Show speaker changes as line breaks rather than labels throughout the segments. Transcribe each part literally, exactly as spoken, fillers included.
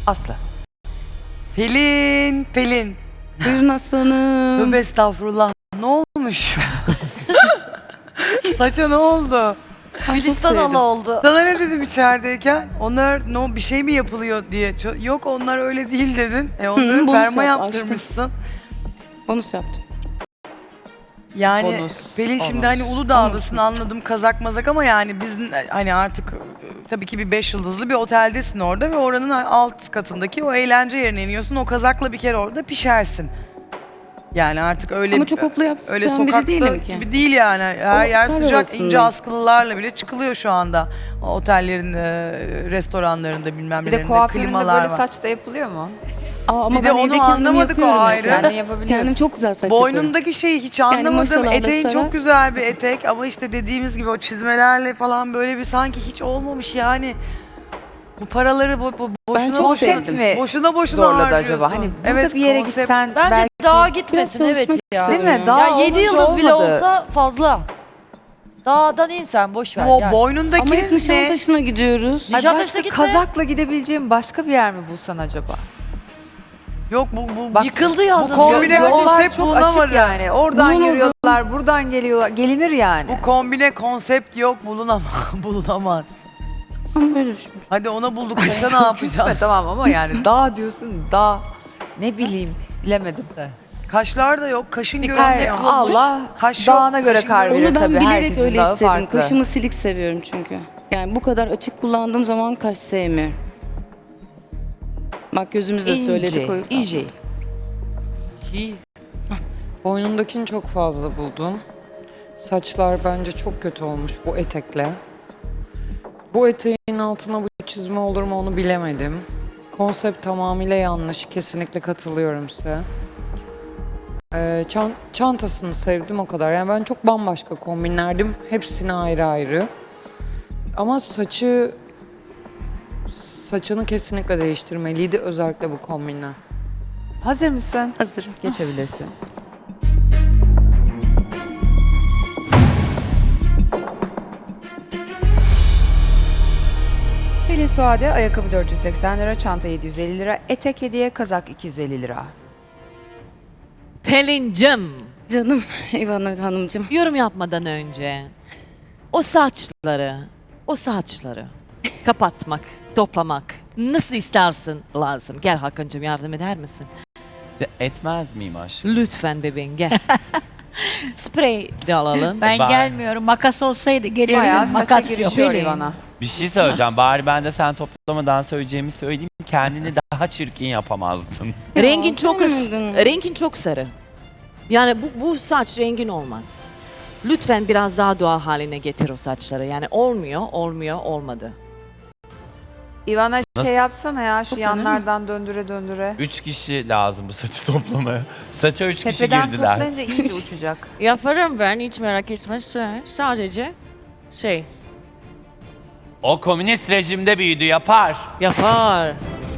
Aslı.
Pelin, Pelin.
Buyurun aslanım.
Tövbe estağfurullah. Ne olmuş? Saça ne oldu?
Ay, çok
Gülistan
sevdim.
Hala oldu.
Sana ne dedim içerideyken? Onlar no bir şey mi yapılıyor diye. Ço- Yok onlar öyle değil dedin. E onları
bonus
perma
yap,
yaptırmışsın.
Bonus yaptım.
Yani
Bonus,
Pelin şimdi
bonus.
hani Uludağ'dasın anladım kazak mazak ama yani biz hani artık e, tabii ki bir beş yıldızlı bir oteldesin orada ve oranın alt katındaki o eğlence yerine iniyorsun. O kazakla bir kere orada pişersin. Yani artık öyle
Ama çok hopla yapsın
öyle
biri
sokakta
değilim ki.
gibi değil yani. Her
O
yer
kar
sıcak
havasındayım.
ince askılılarla bile çıkılıyor şu anda. O otellerin, e, restoranlarında bilmem
Bir de
nelerinde
kuaföründe
klimalar
böyle
var.
saç da yapılıyor mu?
Aa, ama
Bir de
ben
onu
evde kendim
anlamadık o
yapıyorum.
ayrı.
mesela.
Kendin yapabiliyorsun.
Kendim çok güzel saç yapıyorum.
Boynundaki şeyi hiç anlamadım.
maşallah
Eteğin
da
çok
sarar.
güzel bir etek ama işte dediğimiz gibi o çizmelerle falan böyle bir sanki hiç olmamış yani. Bu paraları bu, bu boşuna
çok
boşuna,
sevdim.
mi
boşuna boşuna
zorladı
harcıyorsun.
acaba? Hani burada
Evet,
bir yere
konsept-
gitsen
Bence
belki...
dağa gitmesin
Biraz
evet
çalışmak
ya.
istiyorum.
Değil mi? Dağ
Ya yedi
olunca
yıldız bile
olmadı.
olsa fazla. Dağdan insen boş ver.
O
gel.
boynundaki
Ama hep
ne?
Nişantaşı'na gidiyoruz.
Ay,
Nişantaşı'na
başka
gitme.
kazakla gidebileceğim başka bir yer mi bulsan acaba?
Yok bu bu
Bak,
Yıkıldı yalnız.
bu kombine
gözler.
konsept
Yollar çok
bulunamadı.
açık yani. Oradan
Bulunamadı.
yürüyorlar, buradan geliyorlar. Gelinir yani.
bu kombine konsept yok bulunamaz. bulunamaz.
Ama böyle düşünmüş.
Hadi ona bulduk işte ne
Küsme
yapacağız?
tamam ama yani dağ diyorsun, dağ. Ne bileyim, bilemedim.
Kaşlar da yok, kaşın
Bir
görünüyor.
konsept bulmuş.
Allah
Kaş yok,
dağına göre
kaşın
kar
görünüyor.
verir
Onu ben
tabii.
bilerek
Herkesin
öyle
dağı
istedim.
farklı.
Kaşımı silik seviyorum çünkü. Yani bu kadar açık kullandığım zaman kaş sevmiyorum. Bak gözümüzle
İnce,
söyledik. o-
ince.
İyi.
Boynundakini çok fazla buldum. Saçlar bence çok kötü olmuş bu etekle. Bu eteğin altına bu çizme olur mu onu bilemedim. Konsept tamamıyla yanlış. Kesinlikle katılıyorum size. Ee, çan- çantasını sevdim o kadar. Yani ben çok bambaşka kombinlerdim. Hepsini ayrı ayrı. Ama saçı... Saçını kesinlikle değiştirmeliydi. Özellikle bu kombinle.
Hazır mısın?
Hazırım.
Geçebilirsin. Pelin Suade, ayakkabı dört yüz seksen lira, çanta yedi yüz elli lira, etek hediye, kazak iki yüz elli lira.
Pelincim,
Canım İvan Hanımcığım.
yorum yapmadan önce o saçları, o saçları kapatmak, toplamak nasıl istersin lazım. Gel Hakan'cığım yardım eder misin?
Etmez miyim aşkım?
Lütfen bebeğim gel. Sprey de alalım.
Ben
Bari.
gelmiyorum. Makas olsaydı gelirdim.
Bayağı saça
Makas yok.
girişiyor
Pelin.
Ivana.
Bir şey söyleyeceğim. Bari ben de sen toplamadan söyleyeceğimi söyleyeyim. Kendini daha çirkin yapamazdın.
Rengin
Ya,
çok
sevmedin.
rengin çok sarı. Yani bu, bu saç rengin olmaz. Lütfen biraz daha doğal haline getir o saçları. Yani olmuyor, olmuyor, olmadı.
Ivana
Nasıl?
şey yapsana ya şu
Toplanır mı?
yanlardan döndüre döndüre.
Üç kişi lazım bu saçı toplamaya. Saça üç kişi
Tepeden
girdiler.
toplayınca iyice uçacak.
Yaparım ben hiç merak etme. Sadece şey
O komünist rejimde büyüdü yapar.
yapar.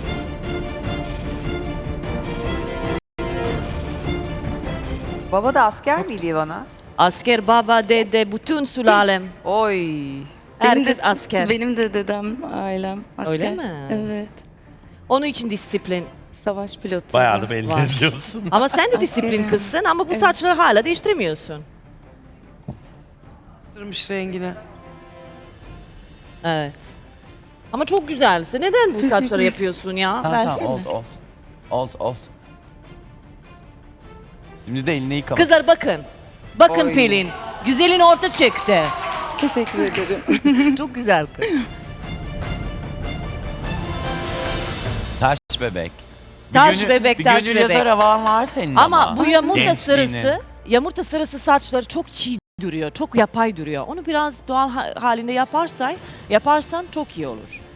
Baba da asker miydi Ivana?
Asker baba dede bütün sülalem.
Oy.
Herkes asker.
Benim de dedem, ailem asker.
Öyle mi?
Evet.
Onun için disiplin.
Savaş pilotu.
Bayağı da belli
Var.
ediyorsun.
Ama sen de disiplin
Askerim.
kızsın ama bu
Evet.
saçları hala değiştirmiyorsun.
Yaptırmış rengini.
Evet. Ama çok güzelsin. Neden bu saçları yapıyorsun ya?
Tamam
Versene.
tamam oldu oldu. Oldu oldu. Şimdi de elini yıkamak.
Kızlar bakın. Bakın
Oy.
Pelin. Güzelin orta çıktı.
Teşekkür ederim.
Çok güzel kız.
Taş bebek. Bir
Taş
gönül-
bebek,
bir
taş
gönül
bebek.
yazar havan var senin ama.
Ama bu yumurta
Gençliğini.
sarısı, yumurta sarısı saçları çok çiğ duruyor. Çok yapay duruyor. Onu biraz doğal ha- halinde yaparsan, yaparsan çok iyi olur.